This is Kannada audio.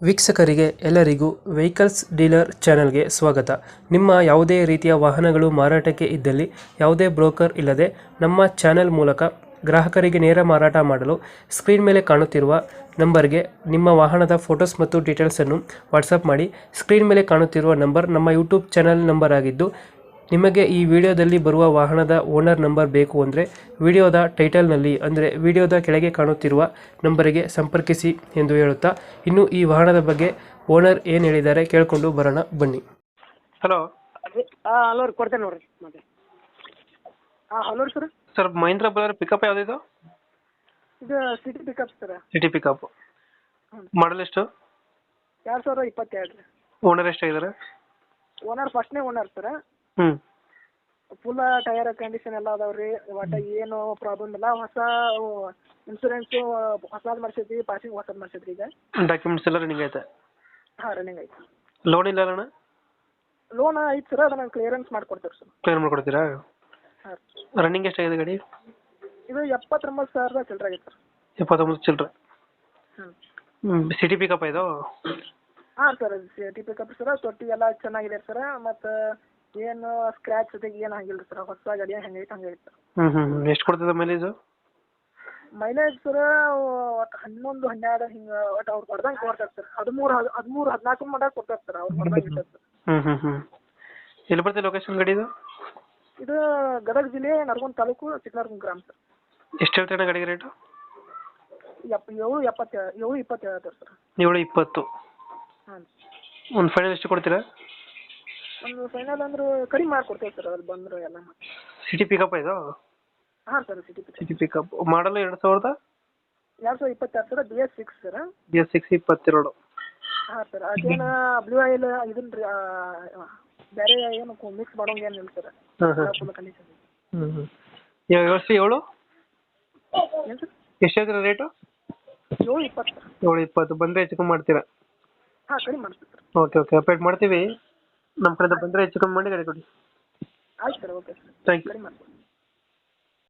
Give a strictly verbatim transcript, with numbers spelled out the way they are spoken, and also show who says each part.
Speaker 1: ವೀಕ್ಷಕರಿಗೆ ಎಲ್ಲರಿಗೂ ವೆಹಿಕಲ್ಸ್ ಡೀಲರ್ ಚಾನೆಲ್ಗೆ ಸ್ವಾಗತ. ನಿಮ್ಮ ಯಾವುದೇ ರೀತಿಯ ವಾಹನಗಳು ಮಾರಾಟಕ್ಕೆ ಇದ್ದಲ್ಲಿ ಯಾವುದೇ ಬ್ರೋಕರ್ ಇಲ್ಲದೆ ನಮ್ಮ ಚಾನೆಲ್ ಮೂಲಕ ಗ್ರಾಹಕರಿಗೆ ನೇರ ಮಾರಾಟ ಮಾಡಲು ಸ್ಕ್ರೀನ್ ಮೇಲೆ ಕಾಣುತ್ತಿರುವ ನಂಬರ್ಗೆ ನಿಮ್ಮ ವಾಹನದ ಫೋಟೋಸ್ ಮತ್ತು ಡೀಟೇಲ್ಸನ್ನು ವಾಟ್ಸಪ್ ಮಾಡಿ. ಸ್ಕ್ರೀನ್ ಮೇಲೆ ಕಾಣುತ್ತಿರುವ ನಂಬರ್ ನಮ್ಮ ಯೂಟ್ಯೂಬ್ ಚಾನೆಲ್ ನಂಬರ್ ಆಗಿದ್ದು, ನಿಮಗೆ ಈ ವಿಡಿಯೋದಲ್ಲಿ ಬರುವ ವಾಹನದ ಓನರ್ ನಂಬರ್ ಬೇಕು ಅಂದರೆ ವಿಡಿಯೋದ ಟೈಟಲ್ನಲ್ಲಿ ಅಂದರೆ ವಿಡಿಯೋದ ಕೆಳಗೆ ಕಾಣುತ್ತಿರುವ ನಂಬರಿಗೆ ಸಂಪರ್ಕಿಸಿ ಎಂದು ಹೇಳುತ್ತಾ, ಇನ್ನು ಈ ವಾಹನದ ಬಗ್ಗೆ ಓನರ್ ಏನು ಹೇಳಿದ್ದಾರೆ ಕೇಳಿಕೊಂಡು ಬರೋಣ ಬನ್ನಿ. ಹಲೋ
Speaker 2: ಹಾಂ ಹಲೋ ರೀ, ಕೊಡ್ತೇನೆ ನೋಡಿರಿ ಮತ್ತೆ. ಹಾಂ ಹಲೋ ರೀ sir.
Speaker 1: Sir, Mahindra Bolero pickup ಯಾವುದಿದು?
Speaker 2: ಇದು city pickup sir.
Speaker 1: City pickup. Model ಎಷ್ಟು?
Speaker 2: ಎರಡು ಸಾವಿರ ಇಪ್ಪತ್ತೆರಡು ರೀ.
Speaker 1: ಓನರ್ ಎಷ್ಟಾಗಿದ್ದಾರೆ?
Speaker 2: ಓನರ್ ಫಸ್ಟ್ನೇ ಓನರ್ ಸರ್.
Speaker 1: ಹ್ಞೂ
Speaker 2: ಫುಲ್ ಟೈರ್ ಕಂಡೀಷನ್ ಎಲ್ಲ ಅದಾವೆ ರೀ. ಒಟ್ಟು ಏನು ಪ್ರಾಬ್ಲಮ್ ಇಲ್ಲ. ಹೊಸ ಇನ್ಸೂರೆನ್ಸು ಹೊಸದು ಮಾಡಿಸೈತಿ, ಪಾಸಿಂಗ್ ಹೊಸದು ಮಾಡಿಸೈತಿ ಈಗ.
Speaker 1: ಡಾಕ್ಯುಮೆಂಟ್ಸ್ ಎಲ್ಲ ರನ್ನಿಂಗ್ ಐತೆ?
Speaker 2: ಹಾಂ ರನ್ನಿಂಗ್ ಐತಿ.
Speaker 1: ಲೋನ್ ಇಲ್ಲ ಅಣ್ಣ?
Speaker 2: ಲೋನ್ ಐತೆ ಸರ್, ಅದನ್ನು ಕ್ಲಿಯರೆನ್ಸ್ ಮಾಡಿಕೊಡ್ತೀವಿ ಸರ್.
Speaker 1: ಕ್ಲಿಯರ್ ಮಾಡ್ಕೊಡ್ತೀರಾ?
Speaker 2: ಹಾಂ.
Speaker 1: ರನ್ನಿಂಗ್ ಎಷ್ಟಾಗಿದೆ ಗಾಡಿ?
Speaker 2: ಇದು ಎಪ್ಪತ್ತೊಂಬತ್ತು ಸಾವಿರದ ಚಿಲ್ಲರೆ ಆಗೈತೆ ಸರ್.
Speaker 1: ಎಪ್ಪತ್ತೊಂಬತ್ತು ಚಿಲ್ಲರೆ.
Speaker 2: ಹ್ಞೂ
Speaker 1: ಸಿಟಿ ಪಿಕಪ್ ಇದು?
Speaker 2: ಹಾಂ ಸರ್, ಸಿಟಿ ಪಿಕಪ್ ಸರ್. ತೊಟ್ಟಿ ಎಲ್ಲ ಚೆನ್ನಾಗಿದೆ ಸರ್. ಮತ್ತು ಏನು ಸ್ಕ್ರ್ಯಾಚ್ ಜೊತೆಗೆ ಏನು ಹಂಗಿಲ್ಲ ಸರ್. ಹೊಸ ಗಾಡಿ ಹೆಂಗೈತೆ ಹಂಗೈತೆ ಸರ್.
Speaker 1: ಹ್ಞೂ ಹ್ಞೂ ಎಷ್ಟು ಕೊಡ್ತದೆ ಮೈಲೇಜು?
Speaker 2: ಮೈಲೇಜ್ ಸರ್ ಒಟ್ಟು ಹನ್ನೊಂದು ಹನ್ನೆರಡು ಹಿಂಗೆ ಒಟ್ಟು ಅವ್ರು ಕೊಡ್ದಂಗೆ ಕೊಡ್ತಾರೆ ಸರ್. ಹದಿಮೂರು ಹದ್ ಹದಿಮೂರು ಹದಿನಾಲ್ಕು ಮಟ್ಟ ಕೊಡ್ತಾರೆ ಸರ್ ಅವ್ರು ಕೊಡ್ದಂಗೆ ಇರ್ತದೆ ಸರ್.
Speaker 1: ಹ್ಞೂ ಹ್ಞೂ ಹ್ಞೂ ಎಲ್ಲಿ ಬರ್ತದೆ ಲೊಕೇಶನ್ ಗಾಡಿದು?
Speaker 2: ಇದು ಗದಗ ಜಿಲ್ಲೆ ನರಗುಂದ ತಾಲೂಕು ಚಿಕ್ಕನರಗುಂದ ಗ್ರಾಮ ಸರ್.
Speaker 1: ಎಷ್ಟು ಹೇಳ್ತೀರ ಗಾಡಿಗೆ ರೇಟು?
Speaker 2: ಎಪ್ ಏಳು ಎಪ್ಪತ್ತೇಳು ಏಳು ಇಪ್ಪತ್ತೇಳು ಹೇಳ್ತಾರೆ ಸರ್.
Speaker 1: ಏಳು ಇಪ್ಪತ್ತು.
Speaker 2: ಹಾಂ.
Speaker 1: ಒಂದು ಫೈನಲ್ ಎಷ್ಟು ಕೊಡ್ತೀರಾ?
Speaker 2: ಒಂದು ಫೈನಲ್ ಅಂದ್ರೆ ಕಡಿಮೆ ಮಾಡಿಕೊಡ್ತೇವೆ ಸರ್, ಅಲ್ಲಿ ಬಂದರು ಎಲ್ಲ.
Speaker 1: ಸಿಟಿ ಪಿಕಪ್ ಇದು?
Speaker 2: ಹಾಂ sir, city pickup.
Speaker 1: City pickup. Model ಎರಡು ಸಾವಿರದ
Speaker 2: ಎರಡು ಸಾವಿರದ ಇಪ್ಪತ್ತೆರಡು sir. B S six sir.
Speaker 1: B S six ಇಪ್ಪತ್ತೆರಡು.
Speaker 2: ಹಾಂ ಸರ್. ಅದೇನು ಬ್ಲೂ ಆಯಿಲ್ ಇದನ್ನ ರೀ, ಬೇರೆ ಏನು ಮಿಕ್ಸ್ ಮಾಡೋಂಗೆ ಏನಿಲ್ಲ ಸರ್.
Speaker 1: ಹಾಂ ಹಾಂ
Speaker 2: ಫುಲ್ ಕಂಡೀಷನ್.
Speaker 1: ಹ್ಞೂ ಹ್ಞೂ ಇವಾಗ ವ್ಯವಸ್ಥೆ ಏಳು
Speaker 2: ಏನು ಸರ್?
Speaker 1: ಎಷ್ಟು ಹೇಳ್ತೀರಾ ರೇಟು?
Speaker 2: ಏಳು ಇಪ್ಪತ್ತು ಸರ್.
Speaker 1: ಏಳು ಇಪ್ಪತ್ತು. ಬಂದರೆ ಹೆಚ್ಚು ಕಮ್ಮಿ ಮಾಡ್ತೀರಾ?
Speaker 2: ಹಾಂ ಕಡಿಮೆ ಮಾಡ್ತೀವಿ ಸರ್.
Speaker 1: ಓಕೆ ಓಕೆ ಅಪ್ಡೇಟ್ ಮಾಡ್ತೀವಿ. ನಮ್ಮ ಕಡೆಯಿಂದ ಬಂದರೆ ಹೆಚ್ಚು ಕಮ್ಮಿ ಮಾಡಿ ಗಾಡಿ ಕೊಡಿ.
Speaker 2: ಆಯ್ತು sir. Okay sir,
Speaker 1: thank you.
Speaker 2: ಕಡಿಮೆ ಮಾಡ್ತೀವಿ.